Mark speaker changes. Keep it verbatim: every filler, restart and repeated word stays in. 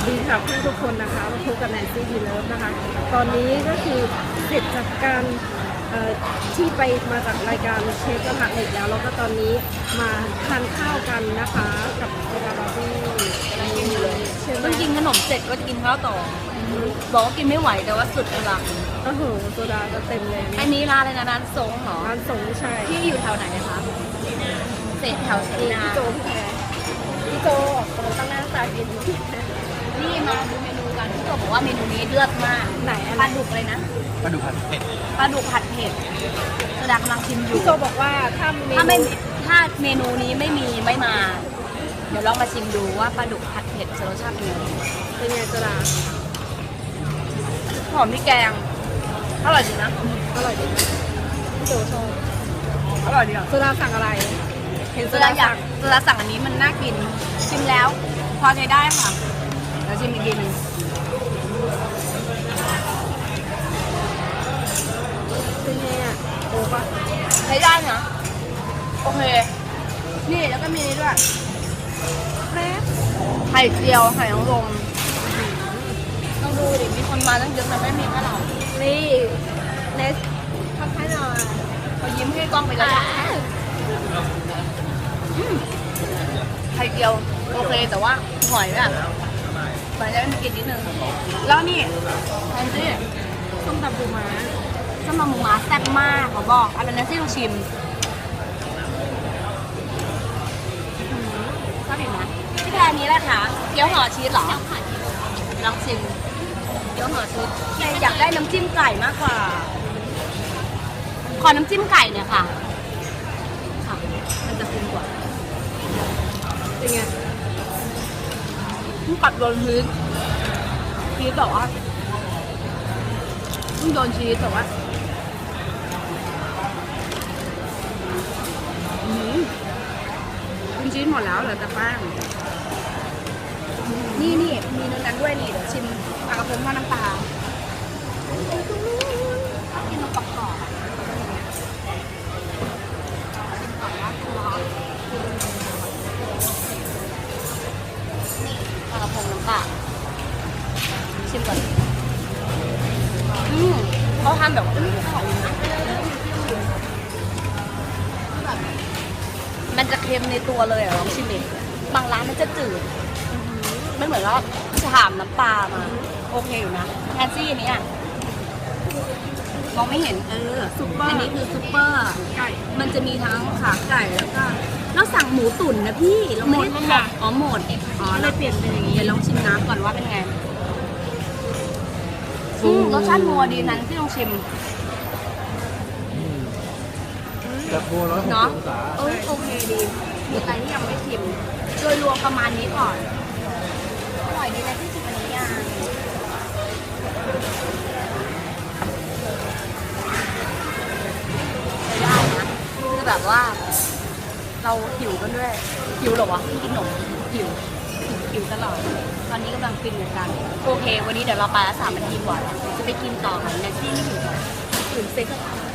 Speaker 1: ดีค่ะเพื่อนทุกคนนะคะมาพบกับแนนซี่ดีเลิฟนะคะ ตอนนี้ก็คือเสร็จจากการที่ไปมาจากรายการเชฟกระทะเหล็กแล้วแล้วก็ตอนนี้มาทานข้าวกันนะคะกับโซดาบาร์บี้ใช่ไหม
Speaker 2: ต้องกินขนมเสร็จก็จะกินข้าวต่อบอกว่ากินไม่ไหวแต่ว่าสุดกำลัง
Speaker 1: โอ้โหโซดาจะเต็มเลย
Speaker 2: อันนี้ร้านอะไรนะร้านทรงเหรอ
Speaker 1: ร้านส่งใช่
Speaker 2: ที่อยู่แถวไหนนะคะเศษแถวเศษ
Speaker 1: พี่
Speaker 2: นา
Speaker 1: โจพี่แพรพี่โจออกกำลังตั้งหน้าตากิน
Speaker 2: นี่มาดูเมนูกันพี่โจบอกว่าเมนูนี้เลือดมาก
Speaker 1: ไหนอะ
Speaker 2: ป
Speaker 1: ไร
Speaker 2: ลาดุกเลยนะ
Speaker 3: ปลาดุกผัดเผ็ด
Speaker 2: ปลาดุกผัดเผ็ดโซดากำลังชิมอยู่
Speaker 1: พี่โจบอกว่าถ้าเม
Speaker 2: ถ้าไม่
Speaker 1: นู
Speaker 2: ถ้าเมนูนี้ไม่มีไม่มา เดี๋ยวลองมาชิมดูว่าปลาดุกผัดเผ็ดจะรสชาติเป็นยังไง
Speaker 1: เป็นไงโซดา
Speaker 2: หอมพริกแกงอร่อยดีนะ
Speaker 1: อร่อยดีนะพี่โจชอบ
Speaker 2: อร่อยดีอ่ะ
Speaker 1: โซดาสั่งอะไร เห็นโซ
Speaker 2: โซ
Speaker 1: ดา
Speaker 2: ดาอยา
Speaker 1: สั่
Speaker 2: ก
Speaker 1: ง
Speaker 2: โซดาสั่งอันนี้มันน่ากิน ชิมแล้ว พอใช้ได้ค่ะเดี๋ยวชิมอีกทีหนึง
Speaker 1: เป็นไงอ่ะโอ้ปะ
Speaker 2: ใช้ได้นะโอเค นี่แล้วก็มีนี่ด้วย
Speaker 1: แป๊บ
Speaker 2: ไข่เจียวไข่นางรมต้องดูดิมีคนมาตั้งเยอะแต่ไม่มีแค่เรา
Speaker 1: นี่เนสทำให้หน่อย
Speaker 2: พอยิ้มให้กล้องไปแล้วอะอืมไข่เจียวโอเคแต่ว่าหอยแบบหอยจะไม่มีกลิ่นนิดนึงแล้วนี่แอนซี่
Speaker 1: ส้มตำปูม้า
Speaker 2: ส้มตำหมูหมาแซ่บมากขอบอกอะไรนะที่ลองชิมชอบอีกไหมที่แค่นี้แหละค่ะเกี๊ยวห่อชีสเหรอลองชิมเกี๊ยวห่อชีสอยากได้น้ำจิ้มไก่มากกว่า ขอน้ำจิ้มไก่เนี่ยค่ะค่ะ มันจะคุ้มกว่า
Speaker 1: เป็นไง
Speaker 2: เพิ่งปัดโดนชีสชีสบอกว่าเพิ่งโดนชีสแต่ว่าอืมคุณชีสหมดแล้วเหลือแต่แป้งนี่นี่มีเนื้อนั้นด้วยนี่เดี๋ยวชิมปลากระพงทอดน้ำปลาชอบกินนมปักกรอบอะชิมก่อนนะร้อนนี่ปลากระพงน้ำปลาชิมก่อนอืมเขาทำแบบว่าอืมอร่อยนะมันจะเค็มในตัวเลยอ่ะลองชิมดิบางร้านมันจะจืดไม่เหมือนว่าฉ่ำน้ำปลามาโอเคอยู่นะแอนซี่อันนี้อ่ะมองไม่เห็นเออ
Speaker 1: ซุปเปอร์
Speaker 2: อันนี้คือซุปเปอร์
Speaker 1: ไก่
Speaker 2: มันจะมีทั้งขาไก่แล้วก็เราสั่งหมูตุ๋นนะพี่เราไม่ได้
Speaker 1: หมดค่ะ
Speaker 2: อ๋อหมดอ๋อ
Speaker 1: ก็เลยเปลี่ยนเป็นอย่างนี้
Speaker 2: เดี๋ยวลองชิมน้ำก่อนว่าเป็นไงอืมรสชาตินัวดีนั้นที่ลองชิม
Speaker 3: จะโคร้อยหกสิบ
Speaker 2: เนาะ
Speaker 3: องศา
Speaker 2: เออโอเคดีมีใครที่ยังไม่ชิมโดยรวมประมาณนี้ก่อนอร่อยดีนะที่ชิมอันนี้ยังได้นะคือแบบว่า เราหิวกันด้วยหิวเหรอวะกินขนมหิวหิวตลอดตอนนี้กำลังฟินเหมือนกันโอเค วันนี้เดี๋ยวเราไปละสามนาทีกว่าจะไปกินต่อค่ะแนนซี่ไม่ถึงถึงเซ็ก